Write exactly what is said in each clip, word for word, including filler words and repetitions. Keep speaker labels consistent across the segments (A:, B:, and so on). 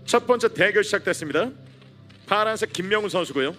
A: 첫 번째 대결 시작됐습니다. 파란색 김명훈 선수고요.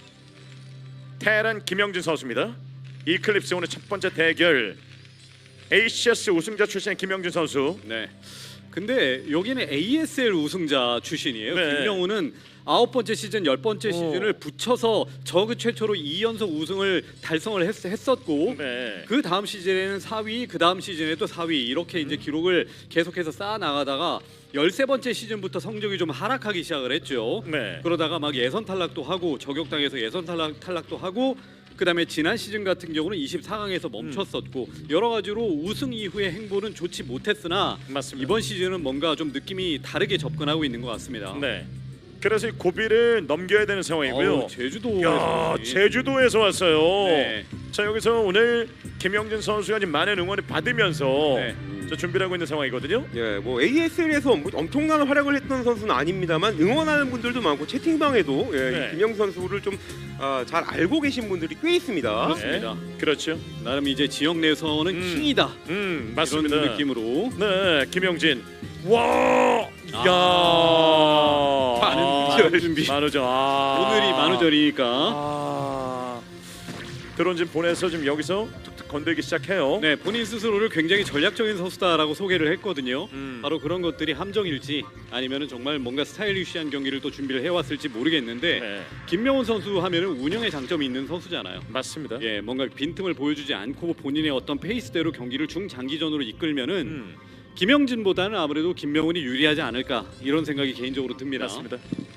A: 테란 김영진 선수입니다. 이클립스 오늘 첫 번째 대결. 에이씨에스 우승자 출신의 김영진 선수.
B: 네. 근데 여기는 에이에스엘 우승자 출신이에요.
A: 네.
B: 김명훈은 아홉 번째 시즌, 열 번째
A: 오.
B: 시즌을 붙여서 저그 최초로 이 연속 우승을 달성을 했, 했었고
A: 네.
B: 그 다음 시즌에는 사 위, 그 다음 시즌에 또 사 위 이렇게 이제 기록을 계속해서 쌓아 나가다가 열세 번째 시즌부터 성적이 좀 하락하기 시작을 했죠.
A: 네.
B: 그러다가 막 예선 탈락도 하고 저격당해서 예선 탈락, 탈락도 하고 그다음에 지난 시즌 같은 경우는 이십사 강에서 멈췄었고 여러 가지로 우승 이후의 행보는 좋지 못했으나
A: 맞습니다.
B: 이번 시즌은 뭔가 좀 느낌이 다르게 접근하고 있는 것 같습니다.
A: 네. 그래서 이 고비를 넘겨야 되는 상황이고요.
B: 어우, 제주도
A: 야, 제주도에서 왔어요.
B: 네.
A: 자, 여기서 오늘 김영진 선수가 지금 많은 응원을 받으면서
B: 네.
A: 저 준비를 하고 있는 상황이거든요.
C: 예, 뭐 에이에스엘에서 뭐 엄청난 활약을 했던 선수는 아닙니다만 응원하는 분들도 많고 채팅방에도 예,
A: 네.
C: 김영 선수를 좀 아, 잘 알고 계신 분들이 꽤 있습니다.
B: 그렇습니다.
A: 네. 그렇죠.
B: 나름 이제 지역 내에서는
A: 음.
B: 킹이다
A: 음, 맞습니다.
B: 이런 느낌으로
A: 네, 김영진. 와!
B: 아.
A: 야!
B: 많은 준비.
A: 만우절. 아.
B: 오늘이 만우절이니까
A: 아. 드론 좀 보내서 지금 여기서 툭툭 건들기 시작해요.
B: 네, 본인 스스로를 굉장히 전략적인 선수다라고 소개를 했거든요.
A: 음.
B: 바로 그런 것들이 함정일지 아니면은 정말 뭔가 스타일리시한 경기를 또 준비를 해왔을지 모르겠는데
A: 네.
B: 김명훈 선수 하면은 운영에 장점이 있는 선수잖아요.
A: 맞습니다.
B: 예, 뭔가 빈틈을 보여주지 않고 본인의 어떤 페이스대로 경기를 중장기전으로 이끌면은
A: 음.
B: 김영진보다는 아무래도 김명훈이 유리하지 않을까 이런 생각이 개인적으로 듭니다.
A: 맞습니다.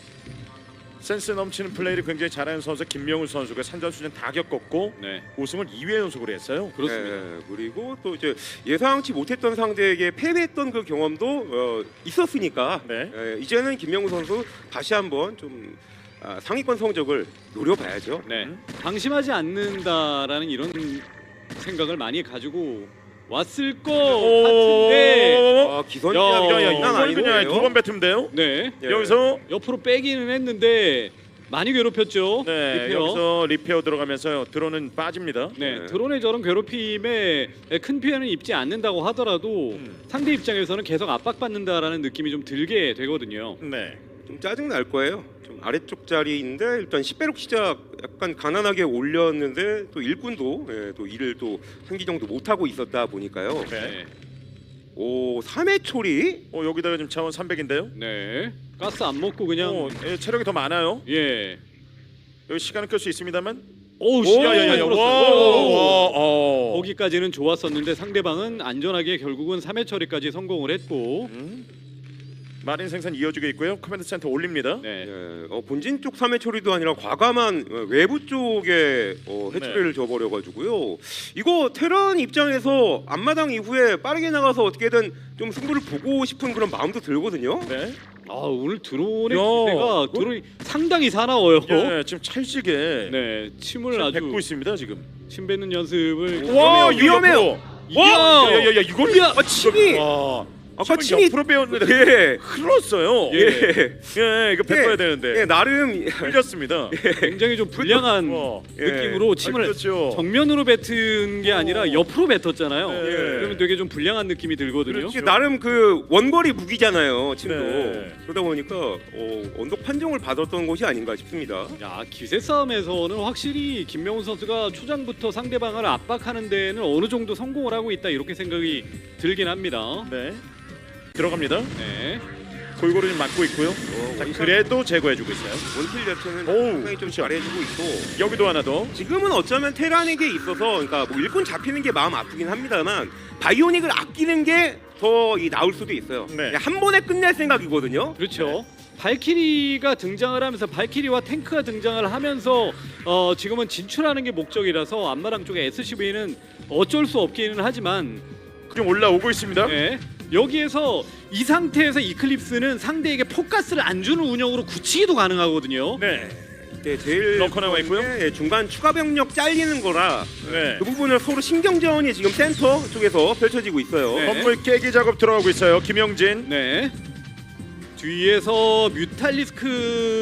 A: 센스 넘치는 플레이를 굉장히 잘하는 선수 김명훈 선수가 산전수전 다 겪었고
B: 네,
A: 우승을 이 회 연속으로 했어요.
B: 그렇습니다.
C: 예, 그리고 또 이제 예상치 못했던 상대에게 패배했던 그 경험도 어, 있었으니까
A: 네.
C: 예, 이제는 김명우 선수 다시 한번 좀 아, 상위권 성적을 노려봐야죠.
B: 네, 방심하지 않는다라는 이런 생각을 많이 가지고 왔을 것 같은데,
C: 아, 기선이
B: 야,
C: 장난
A: 이걸
C: 아니고요.
A: 그냥 두 번 뱉으면 돼요.
B: 네,
C: 예.
A: 여기서
B: 옆으로 빼기는 했는데 많이 괴롭혔죠.
A: 네,
B: 리페어.
A: 여기서 리페어 들어가면서 드론은 빠집니다.
B: 네,
C: 네.
B: 드론의 저런 괴롭힘에 큰 피해는 입지 않는다고 하더라도
A: 음.
B: 상대 입장에서는 계속 압박받는다라는 느낌이 좀 들게 되거든요.
A: 네.
C: 좀 짜증 날 거예요. 좀 아래쪽 자리인데 일단 십배록 시작 약간 가난하게 올렸는데 또 일꾼도 예, 또 일을 또 한 기 정도 못 하고 있었다 보니까요.
A: 네.
B: 네,
C: 오, 삼 회 초리.
A: 어, 여기다가 지금 차원 삼백인데요.
B: 네, 가스 안 먹고 그냥
A: 어, 예, 체력이 더 많아요.
B: 예.
A: 여기 시간은 끌 수 있습니다만.
B: 오우,
A: 오, 야야야야. 와, 와, 어.
B: 거기까지는 좋았었는데 상대방은 안전하게 결국은 삼 회 처리까지 성공을 했고,
A: 음. 마린 생산 이어지고 있고요. 커맨드 센터 올립니다.
B: 네,
C: 예, 어, 본진 쪽 삼 회 처리도 아니라 과감한 어, 외부 쪽에 어, 해처리를
A: 네.
C: 줘버려가지고요. 이거 테란 입장에서 앞마당 이후에 빠르게 나가서 어떻게든 좀 승부를 보고 싶은 그런 마음도 들거든요.
A: 네.
B: 아 오늘 드론의
A: 야,
B: 기세가
A: 그-
B: 드론이 상당히 사나워요.
A: 예, 지금 찰지게
B: 네, 침을
A: 지금
B: 아주
A: 뱉고 있습니다 지금.
B: 침 뱉는 연습을.
A: 와,
C: 위험해요.
A: 와, 야야야, 이걸
C: 야, 아, 침이
A: 와,
C: 아까
A: 침을
C: 침이-
A: 옆으로 빼었는데
C: 예,
A: 흘렀어요.
B: 예.
A: 예, 예, 이거 뱉어야
C: 예,
A: 되는데
C: 예, 나름
A: 흘렸습니다.
B: 굉장히 좀 불량한
A: 와,
C: 예.
B: 느낌으로 침을
A: 아, 그렇죠.
B: 정면으로 뱉은 게 아니라 옆으로 뱉었잖아요.
A: 네.
B: 그러면 되게 좀 불량한 느낌이 들거든요.
A: 그렇죠.
C: 이게 나름 그 원거리 무기잖아요. 침도
A: 네.
C: 그러다 보니까 어, 언덕 판정을 받았던 것이 아닌가 싶습니다.
B: 야, 기세 싸움에서는 확실히 김명훈 선수가 초장부터 상대방을 압박하는 데는 어느 정도 성공을 하고 있다 이렇게 생각이 들긴 합니다.
A: 네, 들어갑니다.
B: 네.
A: 골고루 좀 맞고 있고요.
C: 어,
A: 자,
C: 원킬-
A: 그래도 제거해주고 있어요.
C: 원킬 자체는
A: 오우,
C: 상당히 좀 잘해주고 있고
A: 여기도 하나 더.
C: 지금은 어쩌면 테란에게 있어서 그러니까 뭐 일꾼 잡히는 게 마음 아프긴 합니다만 바이오닉을 아끼는 게 더 이 나을 수도 있어요.
A: 네.
C: 그냥 한 번에 끝낼 생각이거든요.
B: 그렇죠. 발키리가 등장을 하면서 발키리와 탱크가 등장을 하면서 어, 지금은 진출하는 게 목적이라서 앞마당 쪽에 에스씨브이는 어쩔 수 없기는 하지만
A: 지금 올라오고 있습니다.
B: 네, 여기에서 이 상태에서 이클립스는 상대에게 포커스를 안 주는 운영으로 굳히기도 가능하거든요.
A: 네,
C: 네, 제일
A: 럭커 나와 있고요.
C: 중요한 게 중간 추가 병력 잘리는 거라
A: 네.
C: 그 부분을 서로 신경전이 지금 센터 쪽에서 펼쳐지고 있어요.
B: 네.
A: 건물 깨기 작업 들어가고 있어요. 김영진.
B: 네. 뒤에서 뮤탈리스크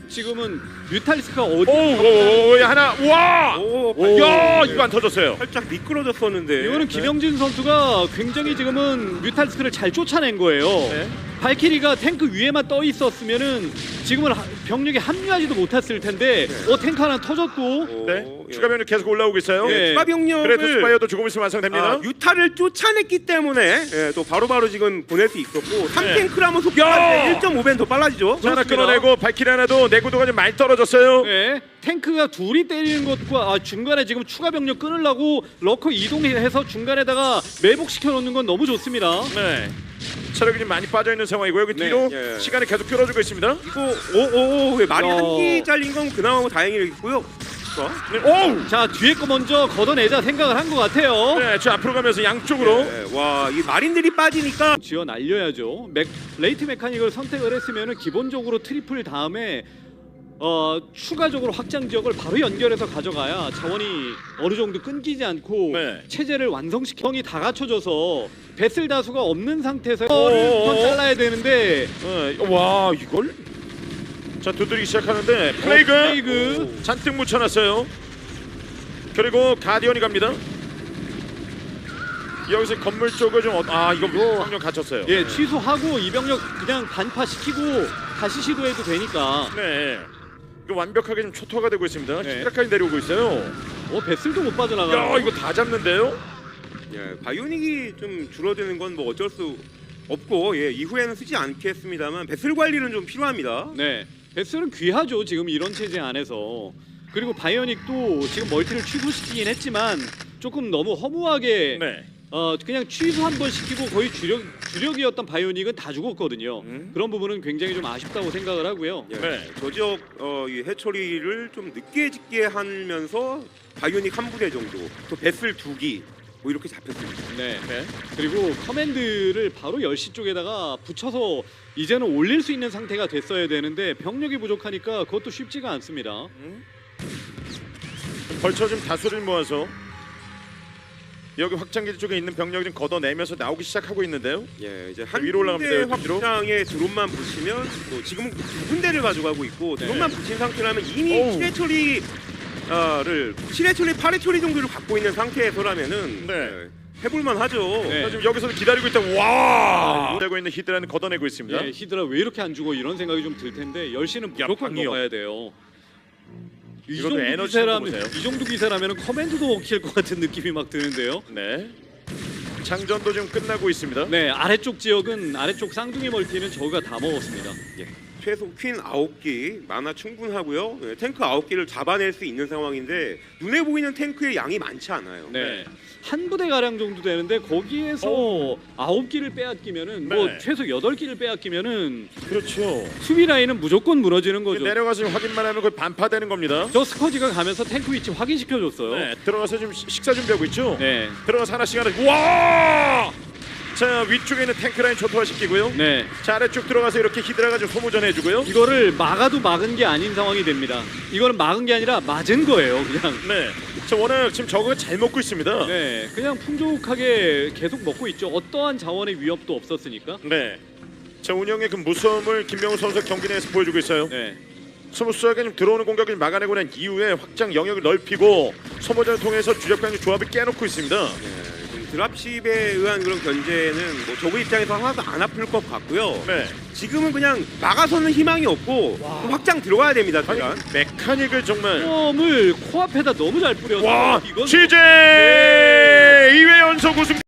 B: 지금은 뮤탈리스크가 어디
A: 오오오 하나 와.
C: 오,
A: 오, 야
C: 네.
A: 이거 안 터졌어요.
C: 살짝 미끄러졌었는데.
B: 이거는 김영진 선수가 굉장히 지금은 뮤탈리스크를 잘 쫓아낸 거예요.
A: 네.
B: 발키리가 탱크 위에만 떠 있었으면은 지금은 하- 병력이 합류하지도 못했을 텐데
C: 네.
B: 어 탱크 하나 터졌고
C: 오,
A: 네.
C: 예.
A: 추가 병력 계속 올라오고 있어요.
B: 예.
C: 추가 병력을
A: 그래도 스파이어도 조금 있으면 완성됩니다.
C: 아, 유타를 쫓아냈기 때문에 예, 또 바로바로 지금 보낼 수 있었고 삼 탱크라면 속도가
A: 야!
C: 일 점 오 배는 더 빨라지죠.
A: 자, 하나
B: 그렇습니다.
A: 끌어내고 발키리 하나도 내구도가 좀 많이 떨어졌어요.
B: 네, 탱크가 둘이 때리는 것과 아, 중간에 지금 추가 병력 끊으려고 러커 이동해서 중간에다가 매복시켜 놓는 건 너무 좋습니다.
A: 네. 체력이 좀 많이 빠져 있는 상황이고 여기
B: 네.
A: 뒤로
C: 예.
A: 시간을 계속 끌어주고 있습니다.
C: 이거 오오오 왜 말이
B: 야.
C: 한기 잘린 건 그나마 뭐 다행이고요. 자,
A: 네. 오우.
B: 자 뒤에 거 먼저 걷어내자 생각을 한 것 같아요.
A: 네, 저 앞으로 가면서 양쪽으로.
C: 예, 와, 이 마린들이 빠지니까
B: 지어 날려야죠. 맥, 레이트 메카닉을 선택을 했으면은 기본적으로 트리플 다음에 어, 추가적으로 확장 지역을 바로 연결해서 가져가야 자원이 어느 정도 끊기지 않고
A: 네.
B: 체제를 완성시키. 형이 다 갖춰져서 배슬 다수가 없는 상태에서
A: 어어어.
B: 턴 잘라야 되는데
A: 네. 와 이걸. 자 두드리기 시작하는데 플레이그,
B: 어, 플레이그.
A: 잔뜩 묻혀놨어요. 그리고 가디언이 갑니다. 여기서 건물 쪽을 좀 아 이거 병력 갇혔어요.
B: 예 취소하고 이병력 그냥 반파 시키고 다시 시도해도 되니까.
A: 네. 이거 완벽하게 좀 초토화가 되고 있습니다.
B: 네.
A: 히드라까지 내려오고 있어요.
B: 어 배슬도 못 빠져나가.
A: 야 이거 다 잡는데요?
C: 예, 바이오닉이 좀 줄어드는 건 뭐 어쩔 수 없고 예, 이후에는 쓰지 않겠습니다만 배슬 관리는 좀 필요합니다.
B: 네, 베스는 귀하죠 지금 이런 체제 안에서. 그리고 바이오닉도 지금 멀티를 취소시키긴 했지만 조금 너무 허무하게
A: 네.
B: 어 그냥 취소 한 번 시키고 거의 주력 주력이었던 바이오닉은 다 죽었거든요.
A: 음.
B: 그런 부분은 굉장히 좀 아쉽다고 생각을 하고요.
C: 예,
A: 네.
C: 저 지역 어, 이 해처리를 좀 늦게 짓게 하면서 바이오닉 한 부대 정도, 또 배슬 두 기, 뭐 이렇게 잡혔습니다.
B: 네.
A: 네.
B: 그리고 커맨드를 바로 열 시 쪽에다가 붙여서 이제는 올릴 수 있는 상태가 됐어야 되는데 병력이 부족하니까 그것도 쉽지가 않습니다.
A: 음. 벌쳐 좀 다수를 모아서 여기 확장기지 쪽에 있는 병력 좀 걷어내면서 나오기 시작하고 있는데요.
C: 예, 이제 한
A: 위로 올라갑니다,
C: 군데
A: 여기 뒤로.
C: 확장에 드론만 붙이면 또 지금 두 군데를 가져가고 있고
B: 네.
C: 드론만 붙인 상태라면 이미
A: 어우.
C: 칠 회 처리 를 칠 회 처리, 팔 회 처리 정도를 갖고 있는 상태에서라면은
A: 네.
C: 예, 해볼만 하죠.
B: 네.
A: 자, 지금 여기서 기다리고 있다. 와! 되고 있는 히드라는 걷어내고 있습니다.
B: 예, 히드라 왜 이렇게 안 죽어 이런 생각이 좀 들 텐데 열 시는
A: 야,
B: 무조건
A: 방이요.
B: 먹어야 돼요. 이
A: 이것도
B: 정도
A: 에너지
B: 기세라면
A: 한번 보세요.
B: 이 정도 기세라면 커맨드도 먹힐 것 같은 느낌이 막 드는데요.
A: 네. 장전도 좀 끝나고 있습니다.
B: 네, 아래쪽 지역은 아래쪽 쌍둥이 멀티는 저가 다 먹었습니다.
C: 예, 최소 퀸 아홉 기 만화 충분하고요. 예, 탱크 아홉 기를 잡아낼 수 있는 상황인데 눈에 보이는 탱크의 양이 많지 않아요.
B: 네. 한 부대 가량 정도 되는데 거기에서 아홉 기를 빼앗기면은 뭐
A: 네.
B: 최소 여덟 기를 빼앗기면은
A: 그렇죠.
B: 수비 라인은 무조건 무너지는 거죠.
A: 내려가서 지금 확인만 하면 거의 반파되는 겁니다.
B: 저 스커지가 가면서 탱크 위치 확인시켜 줬어요.
A: 네. 들어가서 지금 시- 식사 준비하고 있죠.
B: 네.
A: 들어가서 하나씩 하나씩. 와! 자 위쪽에 있는 탱크 라인 초토화 시키고요.
B: 네.
A: 자 아래쪽 들어가서 이렇게 히드라가 좀 소모전 해주고요.
B: 이거를 막아도 막은 게 아닌 상황이 됩니다. 이거는 막은 게 아니라 맞은 거예요, 그냥.
A: 네. 자 워낙 지금 저거 잘 먹고 있습니다.
B: 네, 그냥 풍족하게 계속 먹고 있죠. 어떠한 자원의 위협도 없었으니까.
A: 네. 자 운영의 그 무서움을 김명우 선수 경기 내에서 보여주고 있어요.
B: 네.
A: 스무스하게 좀 들어오는 공격을 막아내고 난 이후에 확장 영역을 넓히고 소모전을 통해서 주력강의 조합을 깨놓고 있습니다.
C: 예, 좀 드랍십에 의한 그런 견제는 뭐 저그 입장에서 하나도 안 아플 것 같고요.
A: 네.
C: 지금은 그냥 막아서는 희망이 없고 확장 들어가야 됩니다.
A: 아니
C: 일단.
A: 메카닉을 정말
B: 을 코앞에다 너무 잘 뿌려서
A: 와
B: 이건
A: 취재 이 회 연속 우승